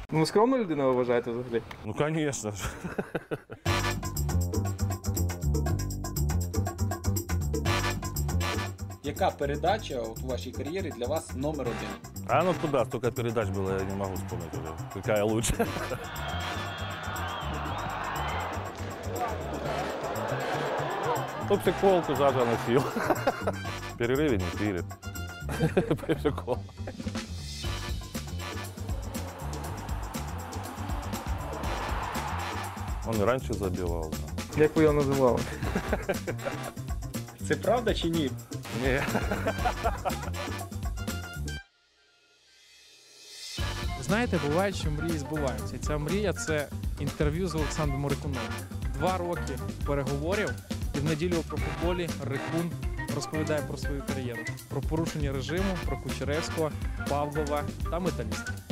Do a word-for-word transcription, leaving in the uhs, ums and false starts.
Ну, скромна людина ви вважаєте взагалі? Ну, звісно ж. Яка передача от у вашій кар'єрі для вас номер один? А ну куда? Столько передач было, я не могу вспомнить уже. Какая лучше? Ну, психолку Жажа носил. В перерыве не пили. Прикол. Он и раньше забивал. Як ви його називали? Це правда чи ні? Не. Знаєте, буває, що мрії збуваються. І ця мрія – це інтерв'ю з Олександром Рикуном. Два роки переговорів, і в неділю про футболі Рикун розповідає про свою кар'єру. Про порушення режиму, про Кучеревського, Павлова та Металіста.